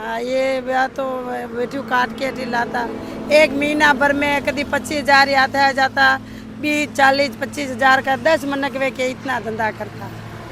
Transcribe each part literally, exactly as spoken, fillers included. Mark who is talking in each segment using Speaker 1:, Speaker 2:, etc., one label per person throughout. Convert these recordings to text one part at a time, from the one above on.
Speaker 1: हाँ, ये ब्याह तो बेटू काट के लाता एक महीना भर में कभी पच्चीस हजार आता है जाता बीस चालीस पच्चीस हजार का दस मनक वे के इतना धंधा करता।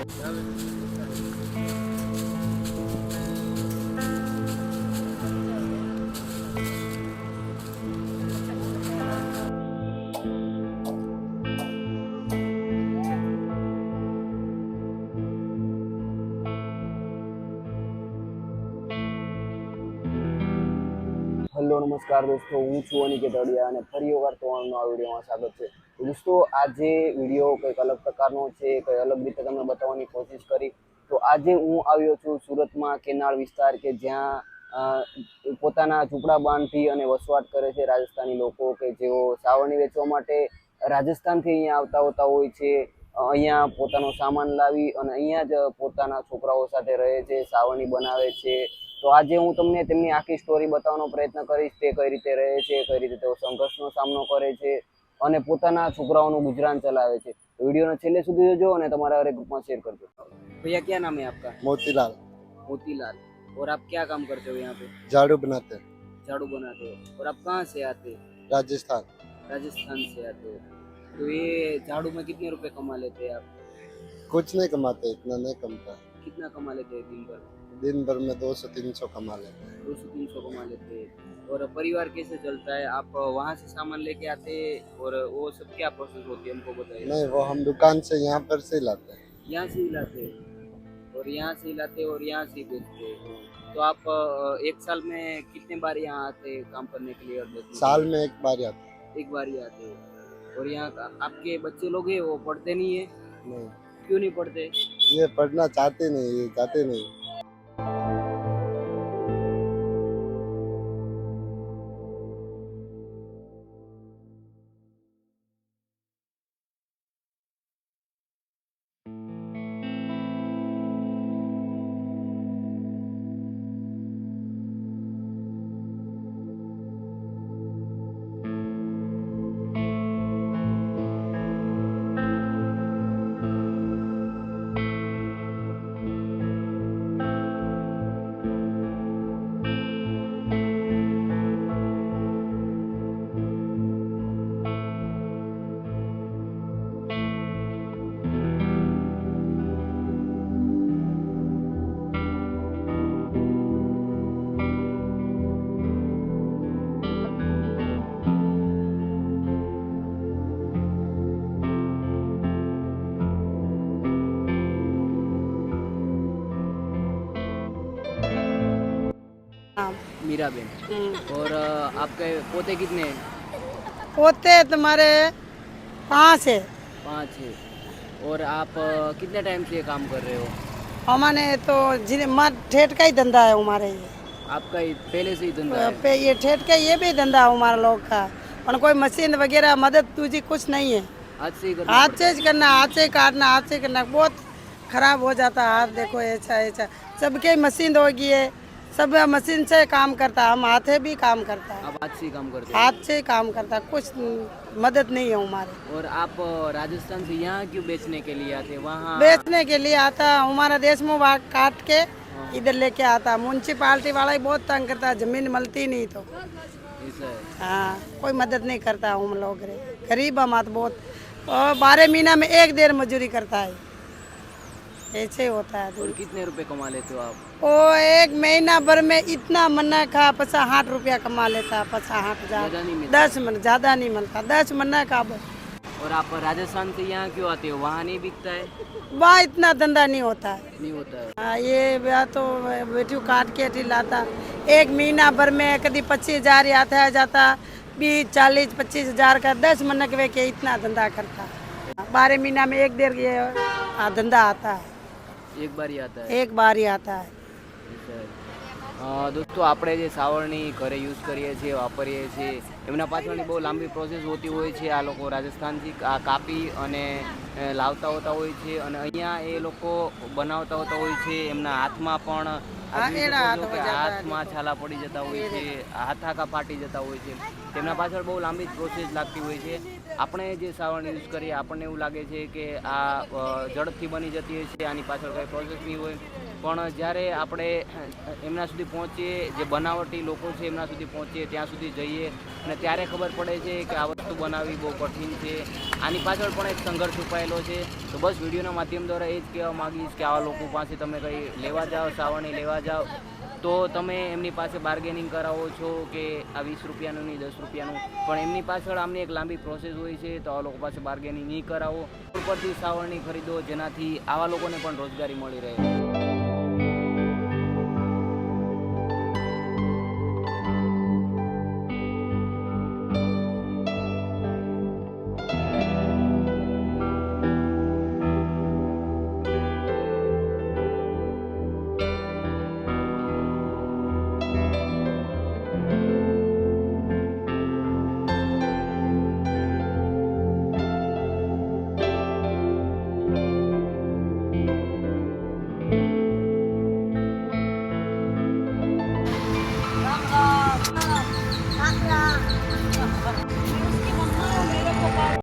Speaker 2: हेलो नमस्कार दोस्तों, हूँ छू अनिकेत अडिया અને ફરી એકવાર તમારું આ વિડીયોમાં સ્વાગત છે। તો દોસ્તો આજે વિડીયો કંઈક અલગ પ્રકારનો છે, કંઈ અલગ રીતે તમને બતાવવાની કોશિશ કરી। તો આજે હું આવ્યો છું સુરતમાં કેનાળ વિસ્તાર કે જ્યાં પોતાના ઝૂંપડા બાંધી અને વસવાટ કરે છે રાજસ્થાની લોકો કે જેઓ સાવરણી વેચવા માટે રાજસ્થાનથી અહીંયા આવતા હોતા હોય છે। અહીંયા પોતાનો સામાન લાવી અને અહીંયા જ પોતાના છોકરાઓ સાથે રહે છે, સાવરણી બનાવે છે। તો આજે હું તમને તેમની આખી સ્ટોરી બતાવવાનો પ્રયત્ન કરીશ, તે કઈ રીતે રહે છે, કઈ રીતે તેઓ સંઘર્ષનો સામનો કરે છે અને પોતાના છોકરાઓનું ગુજરાન ચલાવે છે। વિડીયોને છેલ્લે સુધી જોજો અને તમારા હરેક ગ્રુપમાં શેર કરજો। भैया क्या नाम है आपका?
Speaker 3: मोतीलाल।
Speaker 2: मोतीलाल। और आप क्या काम करते हो यहाँ पे?
Speaker 3: झाड़ू बनाते हैं।
Speaker 2: झाड़ू बनाते हो। और आप कहाँ से आते?
Speaker 3: राजस्थान।
Speaker 2: राजस्थान से आते हो। तो ये झाड़ू में कितने रुपए कमा लेते हैं आप?
Speaker 3: कुछ नहीं कमाते, इतना नहीं कमता।
Speaker 2: कितना कमा लेते हैं दिन भर?
Speaker 3: दिन भर में दो सौ तीन सौ कमा लेते हैं।
Speaker 2: दो सौ तीन सौ कमा लेते हैं। और परिवार कैसे चलता है? आप वहाँ से सामान लेके आते हैं और वो सब क्या प्रोसेस होती है हमको बताइए।
Speaker 3: नहीं, वो हम दुकान से यहाँ पर से लाते हैं।
Speaker 2: यहाँ से ही लाते हैं और यहाँ से ही लाते हैं और यहाँ से ही बेचते हैं। तो आप एक साल में कितने बार यहाँ आते हैं काम करने के लिए? और
Speaker 3: साल में एक बार आते हैं।
Speaker 2: एक बार ही आते हैं। और यहाँ का आपके बच्चे लोग हैं वो पढ़ते नहीं है?
Speaker 3: नहीं।
Speaker 2: क्यों नहीं पढ़ते?
Speaker 3: ये पढ़ना चाहते नहीं, ये जाते नहीं।
Speaker 2: मीरा बेन। और आपके पोते कितने हैं?
Speaker 1: पोते तुम्हारे पाँच है।
Speaker 2: पाँच है। और आप कितने टाइम से ये काम कर रहे हो?
Speaker 1: हमारे तो जिन मत ठेठ का ही धंधा है हमारे ये।
Speaker 2: आपका ही पहले से ही धंधा है?
Speaker 1: पे ये ठेठ का ये भी धंधा है हमारा लोग का। और कोई मशीन वगैरह मदद तुझी कुछ नहीं है।
Speaker 2: हाथ से ही करना
Speaker 1: हाथ
Speaker 2: पड़ता
Speaker 1: से करना, हाथ से काटना, हाथ से करना, बहुत खराब हो जाता है हाथ। देखो ऐसा ऐसा सबके मशीन होगी है, सब मशीन से काम करता है, हम हाथे भी काम करता है।
Speaker 2: है? आप हाथ से ही काम करते हो?
Speaker 1: हाथ से काम करता है, कुछ मदद नहीं है हमारे।
Speaker 2: और आप राजस्थान से यहाँ क्यों बेचने के लिए आते? वहाँ
Speaker 1: बेचने के लिए आता हमारा देश में वहाँ काट के इधर लेके आता। म्यूनसिपालिटी वाला ही बहुत तंग करता है, जमीन मिलती नहीं तो।
Speaker 2: ऐसा है?
Speaker 1: हाँ, कोई मदद नहीं करता हम लोग रे, गरीब हम तो बहुत। और बारह महीना में एक देर मजदूरी करता है, ऐसे होता है।
Speaker 2: और कितने रुपए कमा लेते हो आप?
Speaker 1: ओ एक महीना भर में इतना मन्ना खा पचास साठ रुपया कमा लेता, पचास साठ हजार
Speaker 2: ज्यादा नहीं मिलता?
Speaker 1: दस मन ज्यादा नहीं मिलता, दस मन्ना का।
Speaker 2: और आप राजस्थान से यहाँ क्यों आते हो? वहाँ नहीं बिकता है?
Speaker 1: वहाँ इतना धंधा नहीं होता है।
Speaker 2: नहीं होता है।
Speaker 1: हाँ, ये ब्याह तो बेटू काट के लाता एक महीना भर में कभी पच्चीस हजार आता है जाता बीस चालीस पच्चीस हजार का दस मनक वे के इतना धंधा करता। बारह महीना में एक देर ये धंधा आता है,
Speaker 2: एक बार ही आता है?
Speaker 1: एक बार ही आता है।
Speaker 2: दोस्तों આપણે જે સાવરણી ઘરે યુઝ કરીએ છીએ, વાપરીએ છીએ, એમના પાછળની બહુ લાંબી પ્રોસેસ હોતી હોય છે। આ લોકો રાજસ્થાનથી આ કાપી અને લાવતા હોતા હોય છે અને અહીંયા એ લોકો બનાવતા હોતા હોય છે। એમના હાથમાં પણ હાથમાં છાલા પડી જતા હોય છે, હાથ આખા ફાટી જતા હોય છે। તેમના પાછળ બહુ લાંબી પ્રોસેસ લાગતી હોય છે। આપણે જે સાવરણી યુઝ કરીએ આપણને એવું લાગે છે કે આ ઝડપથી બની જતી હોય છે, આની પાછળ કંઈ પ્રોસેસ નહીં હોય। પણ જ્યારે આપણે એમના સુધી પહોંચીએ, જે બનાવટી લોકો છે એમના સુધી પહોંચીએ, ત્યાં સુધી જઈએ અને ત્યારે ખબર પડે છે કે આ વસ્તુ બનાવવી બહુ કઠિન છે, આની પાછળ પણ એક સંઘર્ષ છુપાયેલો છે. તો બસ વિડીયોના માધ્યમ દ્વારા એ જ કહેવા માગીશ કે આવા લોકો પાસે તમે કંઈ લેવા જાઓ, સાવરણી લેવા જાઓ તો તમે એમની પાસે બાર્ગેનિંગ કરાવો છો કે આ વીસ રૂપિયાનું નહીં દસ રૂપિયાનું, પણ એમની પાછળ આમની એક લાંબી પ્રોસેસ હોય છે. તો આ લોકો પાસે બાર્ગેનિંગ નહીં કરાવો, ઉપરથી સાવરણી ખરીદો, જેનાથી આવા લોકોને પણ રોજગારી મળી રહે.